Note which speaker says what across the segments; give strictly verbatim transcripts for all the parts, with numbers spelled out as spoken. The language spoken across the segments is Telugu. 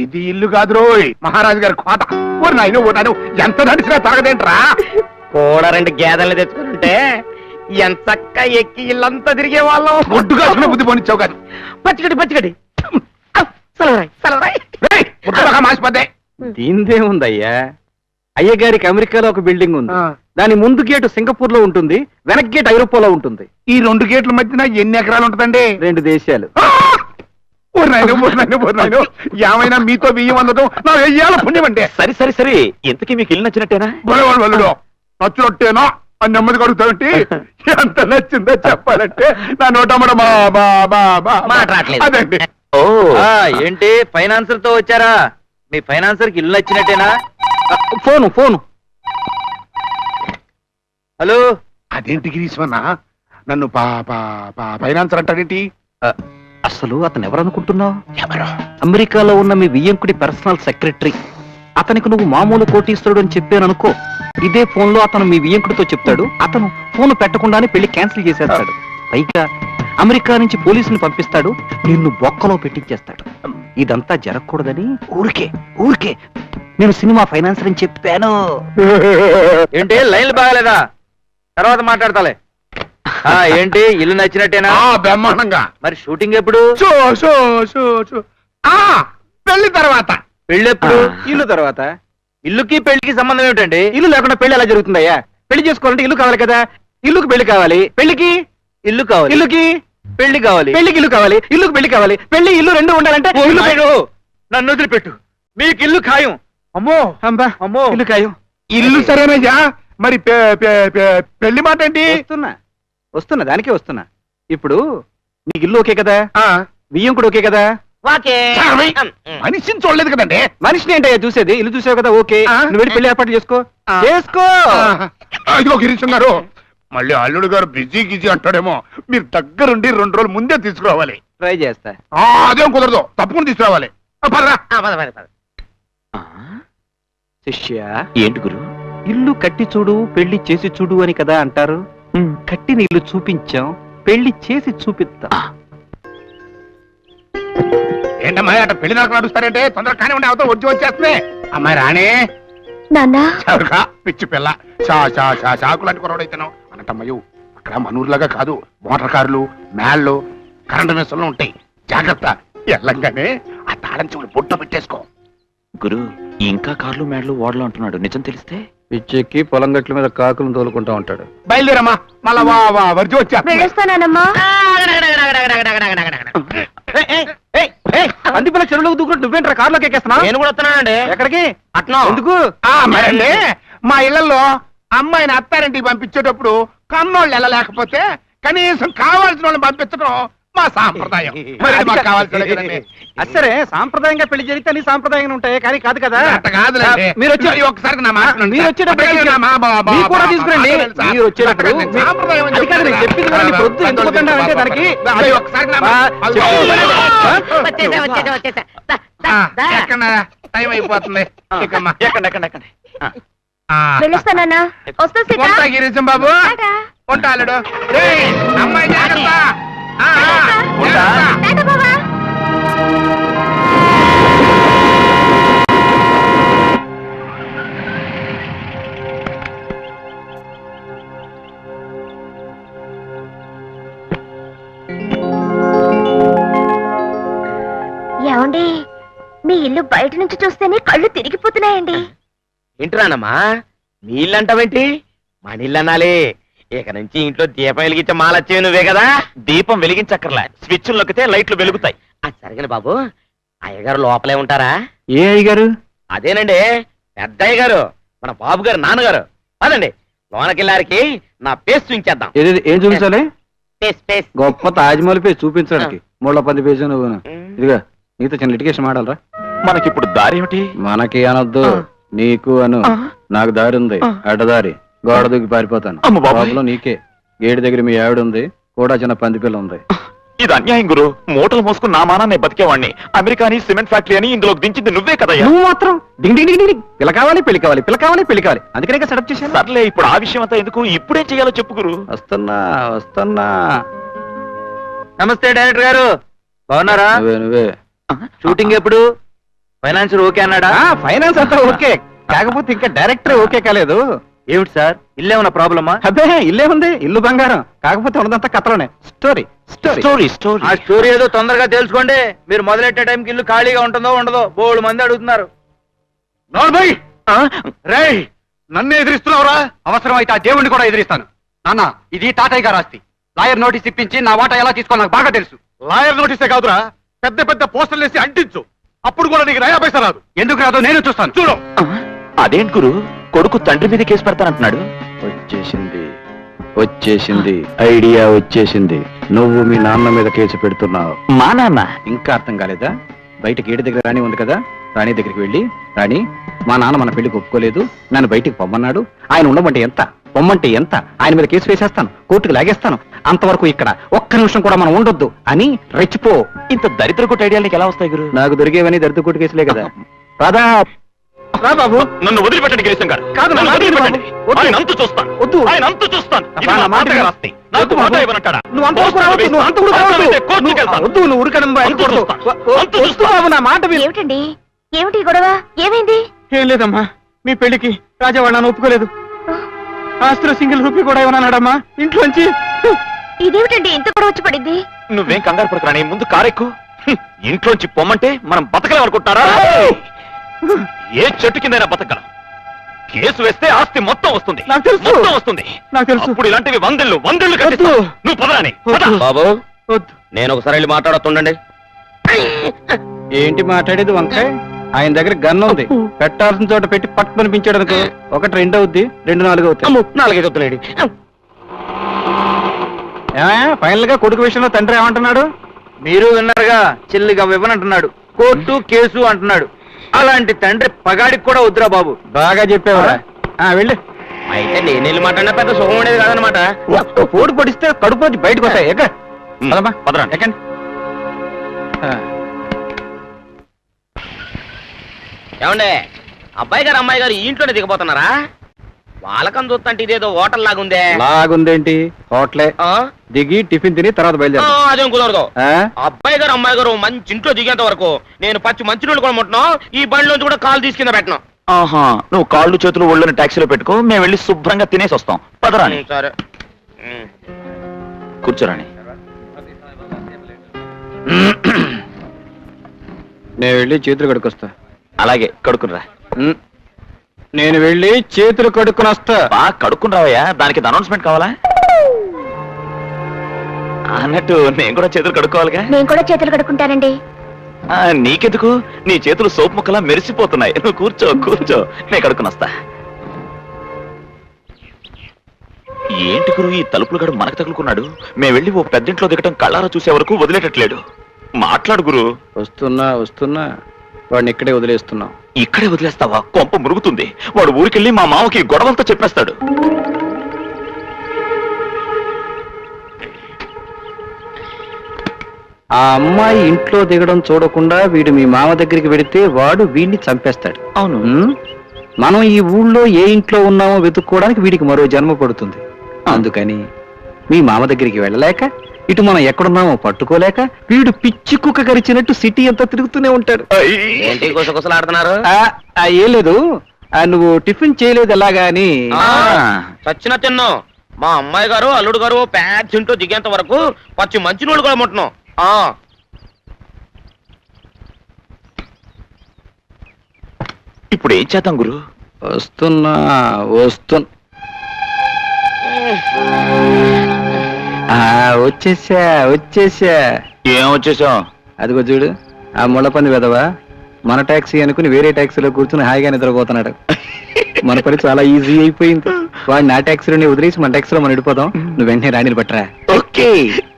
Speaker 1: ఇది ఇల్లు కాదు రోయ్, మహారాజు గారి కోట. ఓ నాయన ఓ నాయన, ఎంత నడిచినా తాగదేంట్రా?
Speaker 2: కూడా రెండు గేదెలు తెచ్చుకుంటే ఎంత చక్క ఎక్కి ఇల్లంతా తిరిగే వాళ్ళం.
Speaker 1: ఒడ్డుగా బుద్ధి పోనిచ్చావు కాదు.
Speaker 2: పచ్చిగడి పచ్చిగడి
Speaker 1: మాసిపోతే
Speaker 3: దీందే ఉందయ్యా. అయ్యగారికి అమెరికాలో ఒక బిల్డింగ్ ఉంది, దాని ముందు గేటు సింగపూర్ లో ఉంటుంది, వెనక్ గేట్ ఐరోపాలో ఉంటుంది.
Speaker 1: ఈ రెండు గేట్ల మధ్యన ఎన్ని ఎకరాలు ఉంటుందండి?
Speaker 3: రెండు దేశాలు.
Speaker 1: ఏమైనా మీతో బియ్యం అందడం నా వెయ్యాల పుణ్యం అంటే.
Speaker 2: సరే సరే సరే, ఇంతకీ మీకు ఇల్లు నచ్చినట్టేనా?
Speaker 1: బలవాళ్ళు నచ్చినట్టేనా అని నెమ్మది కడుగుతామంటే ఎంత నచ్చిందో చెప్పాలంటే నా నోటమ్మడ అదండి.
Speaker 2: ఓ ఏంటి ఫైనాన్సర్ తో వచ్చారా? మీ ఫైనాన్సర్ కి ఇల్లు నచ్చినట్టేనా?
Speaker 3: Phone phone
Speaker 2: hello.
Speaker 1: అదేంటి గిరీశ్వన్న నన్ను ఫైనాన్సర్ అంటాడేంటి?
Speaker 3: అసలు అతను ఎవరనుకుంటున్నావు? ఎవరు? అమెరికాలో ఉన్న మీ వియ్యంకుడి పర్సనల్ సెక్రటరీ. అతనికి నువ్వు మామూలు కోటీశ్వరుడు అని చెప్పాను అనుకో, ఇదే ఫోన్ లో అతను మీ వియ్యంకుడితో చెప్తాడు. అతను ఫోన్ పెట్టకుండానే పెళ్లి క్యాన్సిల్ చేసేస్తాడు. పైగా అమెరికా నుంచి పోలీసుని పంపిస్తాడు, నిన్ను బొక్కలో పెట్టించేస్తాడు. ఇదంతా జరగకూడదని ఊరికే ఊరికే నేను సినిమా ఫైనాన్సర్ అని చెప్పాను.
Speaker 2: ఏంటి లైన్లు బాగాలేదా? తర్వాత మాట్లాడతాలే. ఏంటి ఇల్లు నచ్చినట్టేనా?
Speaker 1: బ్రహ్మాండంగా.
Speaker 2: మరి షూటింగ్ ఎప్పుడు?
Speaker 1: పెళ్లి తర్వాత.
Speaker 2: పెళ్లి ఎప్పుడు?
Speaker 3: ఇల్లు తర్వాత.
Speaker 2: ఇల్లుకి పెళ్లికి సంబంధం ఏమిటండి?
Speaker 3: ఇల్లు లేకుండా పెళ్లి ఎలా జరుగుతుందయ్యా? పెళ్లి చేసుకోవాలంటే ఇల్లు కావాలి కదా. ఇల్లుకి పెళ్లి కావాలి, పెళ్లికి
Speaker 2: ఇల్లు కావాలి,
Speaker 3: ఇల్లుకి
Speaker 2: పెళ్లి కావాలి,
Speaker 3: పెళ్లికి ఇల్లు కావాలి, ఇల్లుకి పెళ్లి కావాలి. పెళ్లి ఇల్లు రెండు ఉండాలంటే ఇల్లు పెట్టు.
Speaker 2: నన్ను వదిలిపెట్టు, మీకు ఇల్లు ఖాయం. అమ్మో
Speaker 3: అంబా
Speaker 2: అమ్మో,
Speaker 3: ఇల్లు ఖాయం.
Speaker 1: ఇల్లు సరేనయ్యా, మరి పెళ్లి మాట ఏంటి?
Speaker 3: వస్తున్నా వస్తున్నా దానికే వస్తున్నా. ఇప్పుడు నీకు ఇల్లు ఓకే కదా, బియ్యం కూడా ఓకే కదా?
Speaker 1: మనిషిని చూడలేదు కదండి.
Speaker 3: మనిషిని ఏంటయ్యా చూసేది? ఇల్లు చూసావు కదా, ఓకే. నువ్వు వెళ్ళి పెళ్లి ఏర్పాటు చేసుకో చేసుకో
Speaker 1: ఇదిగో గిరీశం గారు, మళ్ళీ అల్లుడు గారు బిజీ గిజీ అంటాడేమో. మీరు దగ్గరుండి రెండు రోజులు ముందే తీసుకురావాలి.
Speaker 3: ట్రై చేస్తా.
Speaker 1: అదేం కుదరదు, తప్పకుండా తీసుకురావాలి.
Speaker 3: శిష్య,
Speaker 2: ఏంటి గురు?
Speaker 3: ఇల్లు కట్టి చూడు పెళ్లి చేసి చూడు అని కదా అంటారు. కట్టిన ఇల్లు చూపించాం, పెళ్లి చేసి చూపిస్తాం.
Speaker 1: ఏంటమ్మా అట పెళ్లి నాకు నడుస్తారంటే తొందరగా కానీ ఉండే అవతల వచ్చి వచ్చేస్తుంది. అమ్మాయి రాణే చవరుగా పిచ్చి పిల్ల చా చా చా చాకు లాంటి కొరవడైతున్నావు అన్నట్టమ్మయ్యు. అక్కడ మనూరులాగా కాదు, మోటార్ కార్లు, మేళ్ళు, కరెంటు మెస్సులు ఉంటాయి. జాగ్రత్త. ఎల్లంగానే ఆ తాళం చెవులు పొట్టు పెట్టేసుకో.
Speaker 2: గురు ఇంకా కార్లు మేడలు ఓడలు అంటున్నాడు, నిజం తెలిస్తే?
Speaker 3: పిచ్చెక్కి పొలం గట్ల మీద కాకులను తోలుకుంటా ఉంటాడు.
Speaker 1: బయలుదేరమ్మా, మళ్ళా వా వా వర్జి వచ్చా.
Speaker 3: అందిపిల్ల చెరువులోకి దూకుంటూ నువ్వేంట్రా కార్లోకి ఎక్కేస్తున్నా?
Speaker 2: నేను కూడా వస్తున్నానండి.
Speaker 3: ఎక్కడికి?
Speaker 2: అట్లా
Speaker 3: ఎందుకు?
Speaker 1: మరండి మా ఇళ్లలో అమ్మాయిని అత్తారింటికి పంపించేటప్పుడు కన్నోళ్ళు వెళ్ళలేకపోతే కనీసం కావాల్సిన వాళ్ళని పంపించడం మా సాంప్రదాయం.
Speaker 3: సరే, సాంప్రదాయంగా పెళ్లి జరిగితే అన్ని సాంప్రదాయంగా ఉంటాయి, కానీ కాదు కదా.
Speaker 1: మీరు వచ్చి ఒకసారి
Speaker 3: మీరు వచ్చేటప్పుడు తీసుకురండి. మీరు వచ్చేటప్పుడు చెప్పింది దానికి
Speaker 1: టైం అయిపోతుంది. గిరీశం బాబు ఉంటాడు. అమ్మాయి జాగ్రత్త.
Speaker 4: ఏమండి, మీ ఇల్లు బయట నుంచి చూస్తేనే కళ్ళు తిరిగిపోతున్నాయండి.
Speaker 2: ఏంటిరానమ్మా నీళ్ళంటావేంటి? మా నీళ్ళనాలి. ఇక నుంచి ఇంట్లో దీపం వెలిగించే మాలచ్చేవి నువ్వే కదా. దీపం వెలిగించక్కర్లా, స్విచ్ నొక్కితే లైట్లు వెలుగుతాయి. అది సరిగని బాబు, అయ్యగారు లోపలే ఉంటారా?
Speaker 3: ఏ అయ్యగారు?
Speaker 2: అదేనండి పెద్ద అయ్యగారు, మన బాబు గారు నాన్నగారు. అదండి లోనకెళ్ళారికి నా పేస్ చూపించేద్దాం.
Speaker 3: ఏం చూపించాలి?
Speaker 2: పేస్ పేస్
Speaker 3: గొప్ప తాజ్మహల్ పేస్ చూపించడానికి మూల పది పేజీ నువ్వు. ఇదిగా నీతో చిన్న లిటికేషన్ మాడాలరా.
Speaker 2: మనకిప్పుడు దారి ఏమిటి?
Speaker 3: మనకి అనొద్దు, నీకు అను. నాకు దారి ఉంది, అడ్డదారి. గోడ దూకి పారిపోతాను. బాబులో నీకే. గేడి దగ్గర మీ ఆవిడ ఉంది, కూడా చిన్న పందిపిల్ల ఉంది.
Speaker 2: ఇది అన్యాయం గురు. మూటలు మోసుకుని నా మానా నేను బతికేవాడిని. అమెరికాని సిమెంట్ ఫ్యాక్టరీ అని ఇందులో దించింది నువ్వే కదా.
Speaker 3: నువ్వు మాత్రం డింగ్ డింగ్ డింగ్ పిల్ల కావాలి, పెళ్లి కావాలి, పిల్ల కావాలి, పెళ్లి కావాలి. అందుకనే సెటప్ చేశాను.
Speaker 2: సర్లే, ఇప్పుడు ఆ విషయం అంతా ఎందుకు, ఇప్పుడేం చెయ్యాలో చెప్పు గురు.
Speaker 3: వస్తున్నా వస్తున్నా.
Speaker 2: నమస్తే డైరెక్టర్ గారు, బాగున్నారా?
Speaker 3: నువ్వే నువ్వే.
Speaker 2: షూటింగ్ ఎప్పుడు? ఫైనాన్షియర్ ఓకే అన్నాడా?
Speaker 3: ఫైనాన్స్ అంతా ఓకే, కాకపోతే ఇంకా డైరెక్టర్ ఓకే కాలేదు.
Speaker 2: ఏమిటి సార్, ఇల్లేమన్నా ప్రాబ్లమా?
Speaker 3: అబ్బే ఇల్లే ఉంది, ఇల్లు బంగారం. కాకపోతే ఉన్నదంతా కథలోనే. స్టోరీ స్టోరీ
Speaker 2: స్టోరీ స్టోరీ ఆ స్టోరీ ఏదో తొందరగా తెలుసుకోండి. మీరు మొదలెట్టే టైంకి ఇల్లు ఖాళీగా ఉంటుందో ఉండదో బోడు మంది అడుగుతున్నారు.
Speaker 1: నోర్మై రేయ్, నన్ను ఎదిరిస్తున్నావురా? అవసరం అయితే ఆ దేవుణ్ణి కూడా ఎదిరిస్తాను. నాన్న, ఇది తాతయ్య గారు ఆస్తి. లాయర్ నోటీస్ ఇప్పించి నా వాటా ఎలా తీసుకో నాకు బాగా తెలుసు. లాయర్ నోటీసే కాదురా, పెద్ద పెద్ద పోస్టర్లు వేసి అంటించు. అప్పుడు కూడా నీకు నయా పైసా రాదు. ఎందుకు రాదో నేను చూస్తాను, చూడు.
Speaker 2: అదేంటి గురు, కొడుకు తండ్రి మీద కేసు పెడతానంటున్నాడు?
Speaker 3: వచ్చేసింది వచ్చేసింది ఐడియా వచ్చేసింది. నువ్వు మీ నాన్న మీద కేసు పెడుతున్నావు.
Speaker 2: మా నాన్న?
Speaker 3: ఇంకా అర్థం కాలేదా? బయట గేటు దగ్గర రాణి ఉంది కదా, రాణి దగ్గరికి వెళ్ళి, రాణి మా నాన్న మన పెళ్లికి ఒప్పుకోలేదు, నన్ను బయటికి పొమ్మన్నాడు. ఆయన ఉండమంటే ఎంత, పొమ్మంటే ఎంత, ఆయన మీద కేసు వేసేస్తాను, కోర్టుకు లాగేస్తాను. అంతవరకు ఇక్కడ ఒక్క నిమిషం కూడా మనం ఉండొద్దు అని రెచ్చిపో.
Speaker 2: ఇంత దరిద్ర కొట్టు ఐడియాలు నీకు ఎలా వస్తాయి గురు?
Speaker 3: నాకు దొరికేవని దరిద్ర కోర్టు కేసులే కదా. రాదా రా బాబు.
Speaker 2: నన్ను వదిలిపెట్టండి కేశం గారు.
Speaker 3: కాదు,
Speaker 2: నన్ను
Speaker 3: నా
Speaker 2: వదిలిపెట్టండి.
Speaker 3: వద్దు.
Speaker 2: ఆయన అంతు చూస్తాను.
Speaker 3: వద్దు.
Speaker 2: ఆయన అంతు చూస్తాను. ఇది
Speaker 3: నా
Speaker 2: మా
Speaker 3: మాట
Speaker 2: తాతగారి
Speaker 3: విను.
Speaker 2: ఆస్తి. నాకు
Speaker 3: వద్దు
Speaker 2: మాట
Speaker 3: బాబు.
Speaker 2: ఇవ్వనంటాడా?
Speaker 3: నువ్వు అంత కూడా రావద్దు, నువ్వు అంత కూడా రావద్దు.
Speaker 2: అవసరమైతే కోర్టుకి వెళ్తాను.
Speaker 3: వద్దు, నువ్వు ఊరికనమ్మా,
Speaker 2: అంతు
Speaker 3: వెళ్ళకూడదు.
Speaker 2: చూస్తాను.
Speaker 3: వ-
Speaker 2: అంతు
Speaker 3: వద్దు
Speaker 2: చూస్తాను.
Speaker 3: బాబు, నా మాట విను.
Speaker 4: ఏమిటండి ఏమిటి ఈ గొడవ? ఏమైంది?
Speaker 3: ఏం లేదమ్మా, మీ పెళ్లికి రాజావాడు నన్ను ఒప్పుకోలేదు. ఆస్తిలో సింగిల్ రూపీ కూడా ఇవ్వనన్నాడమ్మా ఇంట్లోంచి.
Speaker 4: ఇదేమిటండి ఇంత గొడవ వచ్చి పడింది?
Speaker 2: నువ్వేం కంగారు పడుకురా, ముందు కారెక్కు. హ్మ్. ఇంట్లోంచి పొమ్మంటే మనం బతకలేం అనుకుంటారా? ఏ చెట్టు కిందైనా బతకగలం. కేసు వేస్తే ఆస్తి మొత్తం వస్తుంది.
Speaker 3: నాకు తెలుసు.
Speaker 2: మొత్తం వస్తుంది.
Speaker 3: నాకు తెలుసు.
Speaker 2: అప్పుడు ఇలాంటివి వందళ్ళు వందళ్ళు కట్టిస్తా.
Speaker 3: వద్దు.
Speaker 2: నువ్వు పదరాని
Speaker 3: వద్దు.
Speaker 2: బాబు.
Speaker 3: వద్దు.
Speaker 2: నేను ఒకసారి వెళ్ళి మాట్లాడుతుండండి.
Speaker 3: ఏంటి మాట్లాడేది వంకాయ? ఆయన దగ్గర గన్ ఉంది, పెట్టాల్సిన చోట పెట్టి పట్టు పనిపించాడు అనుకో, ఒకటి రెండు అవుద్ది, రెండు నాలుగు అవుతాయి.
Speaker 2: నాలుగైదు వద్దులేండి.
Speaker 3: ఫైనల్ గా కొడుకు విషయంలో తండ్రి ఏమంటున్నాడు?
Speaker 5: మీరు విన్నారుగా, చెల్లిగా ఇవ్వనంటున్నాడు, కోర్టు కేసు అంటున్నాడు. అలాంటి తండ్రి పగాడికి కూడా వద్దురా బాబు.
Speaker 3: బాగా చెప్పేవారా? వెళ్ళు.
Speaker 2: అయితే నేను వెళ్ళి మాట్లాడినా పెద్ద సుఖం ఉండేది కాదనమాట.
Speaker 3: ఒక్క పోటు పొడిస్తే కడుపు వచ్చి బయటకు వస్తాయి. ఎక్క పదమ్మా,
Speaker 2: పదరండి.
Speaker 3: ఎక్కండి. ఆ,
Speaker 2: ఏమండే, అబ్బాయి గారు అమ్మాయి గారు ఈ ఇంట్లోనే దిగబోతున్నారా? వాళ్ళకం చూస్తుంటే ఇదేదో హోటల్ లాగుందే.
Speaker 3: లాగుందేంటి? హోటలే.
Speaker 2: ఆ?
Speaker 3: దిగి టిఫిన్ తిని తర్వాత
Speaker 2: ఆ,
Speaker 3: బయలుదేరు.
Speaker 2: అదేం కుదరదు. అబ్బాయి గారు అమ్మాయి గారు మంచి ఇంట్లో దిగేంత వరకు నేను పచ్చి మంచి నీళ్ళు కూడా ముట్టను, ఈ బండిలోంచి కూడా కాలు తీసుకింద పెట్టను.
Speaker 6: ఆహా, నువ్వు కాళ్ళు చేతులు ఒళ్ళని టాక్సీలో పెట్టుకో, మేము వెళ్ళి శుభ్రంగా తినేసి వస్తాం. పదరాని.
Speaker 2: సరే.
Speaker 6: కూర్చోరాని.
Speaker 3: నేను వెళ్ళి చేతులు కడుక్కొస్తా.
Speaker 6: అలాగే, కడుక్కునిరా.
Speaker 3: ఉమ్, నేను వెళ్ళి చేతులు కడుక్కుని వస్తా.
Speaker 6: బాగా కడుక్కుని రావయ్యా, దానికి అనౌన్స్మెంట్ కావాలా అన్నట్టు నేను కూడా చేతులు కడుక్కోవాలిగా.
Speaker 4: నేను కూడా చేతులు కడుక్కుంటానండి.
Speaker 6: ఆ, నీకెందుకు? నీ చేతులు సోపు ముక్కలా మెరిసిపోతున్నాయి. నువ్వు కూర్చో కూర్చో, నేను కడుక్కుని వస్తా. ఏంటి గురు, ఈ తలుపులు గడు మనకు తగులుకున్నాడు. మేము వెళ్ళి ఓ పెద్దింట్లో దిగటం కళ్ళారా చూసే వరకు వదిలేటట్లేడు. మాట్లాడు గురు.
Speaker 3: వస్తున్నా వస్తున్నా, వాడిని ఇక్కడే వదిలేస్తున్నాం.
Speaker 6: ఇక్కడే వదిలేస్తావా? కొంప మురుగుతుంది. వాడు ఊరికెళ్ళి మా మామకి గొడవంతా చెప్పేస్తాడు.
Speaker 3: ఆ అమ్మాయి ఇంట్లో దిగడం చూడకుండా వీడు మీ మామ దగ్గరికి వెడితే వాడు వీడిని చంపేస్తాడు.
Speaker 6: అవును.
Speaker 3: ఉమ్, మనం ఈ ఊళ్ళో ఏ ఇంట్లో ఉన్నామో వెతుక్కోవడానికి వీడికి మరో జన్మ పడుతుంది. అందుకని మీ మామ దగ్గరికి వెళ్ళలేక, ఇటు మనం ఎక్కడున్నామో పట్టుకోలేక, వీడు పిచ్చి కుక్క కరిచినట్టు సిటీ అంతా తిరుగుతూనే ఉంటాడు.
Speaker 2: ఏంటి గుసగుసలాడుతున్నారు?
Speaker 3: ఆ, ఆ, ఏం లేదు. ఆ, నువ్వు టిఫిన్ చేయలేదు ఎలాగా అని.
Speaker 2: ఆ, చచ్చిన తిన్ను. మా అమ్మాయి గారు అల్లుడు గారు పెద్ద ఇంట్లో దిగేంత వరకు పచ్చి మంచి నీళ్ళు కూడా ముట్టను. ఆ
Speaker 6: ఇప్పుడు ఏం చేద్దాం గురు?
Speaker 3: వస్తున్నా వస్తున్నా. ఆ, వచ్చేసా వచ్చేసా.
Speaker 6: ఏం వచ్చేసాం?
Speaker 3: అదిగో చూడు, ఆ ముళ్ళపంది వెదవా మన టాక్సీ అనుకుని వేరే టాక్సీలో కూర్చుని హాయిగా నిద్రపోతున్నాడు. మన పని చాలా ఈజీ అయిపోయింది. వాడు నా టాక్సీలోనే వదిలేసి మన టాక్సీలో మనం వెళ్ళిపోదాం. నువ్వు వెంటనే రాణిని పట్టరా.
Speaker 6: ఓకే.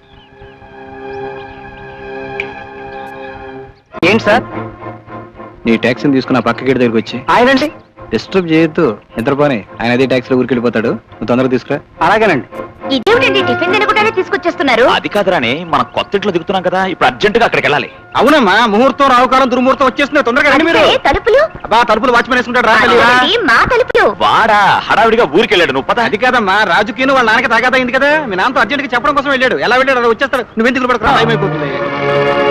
Speaker 3: ఏంటి సార్? నీ టాక్సీని తీసుకుని ఆ పక్క గేట్ దగ్గరికి వచ్చి ఆయనండి డిస్టర్బ్ చేయొద్దు, నిద్రపోని. ఆయన అదే టాక్సీలో ఊరికి వెళ్ళిపోతాడు. నువ్వు తొందరగా తీసుకురా. అలాగేనండి.
Speaker 4: ఇదేమిటండి టిఫిన్ తినకుండానే తీసుకొచ్చేస్తున్నారు?
Speaker 6: అది కాదురాని, మనం కొత్త ఇంట్లో దిగుతున్నాం కదా, ఇప్పుడు అర్జెంట్ గా అక్కడికి వెళ్ళాలి.
Speaker 3: అవునమ్మా, ముహూర్తం రావుకాలం దుర్ముహూర్తం వచ్చేస్తుంది. తొందరగా రండి మీరు.
Speaker 4: అంటే తలుపులు
Speaker 3: అబ్బా, తలుపులు వాచ్మెన్ వేసుకుంటాడు. రా తల్లి, రా.
Speaker 4: అదేమిటి, మా తలుపులు?
Speaker 6: వాడా హడావిడిగా ఊరికి వెళ్ళాడు. నువ్వు పద.
Speaker 3: అది కాదమ్మా, రాజుకీను వాళ్ళ నాన్నకి తాగాదా అయింది కదా, మీ నాన్నతో అర్జెంట్ గా చెప్పడం కోసం వెళ్ళాడు. ఎలా వెళ్ళాడు అలా వచ్చేస్తాడు. నువ్వు ఎందుకు పడకు, టైం అయిపోతుంది.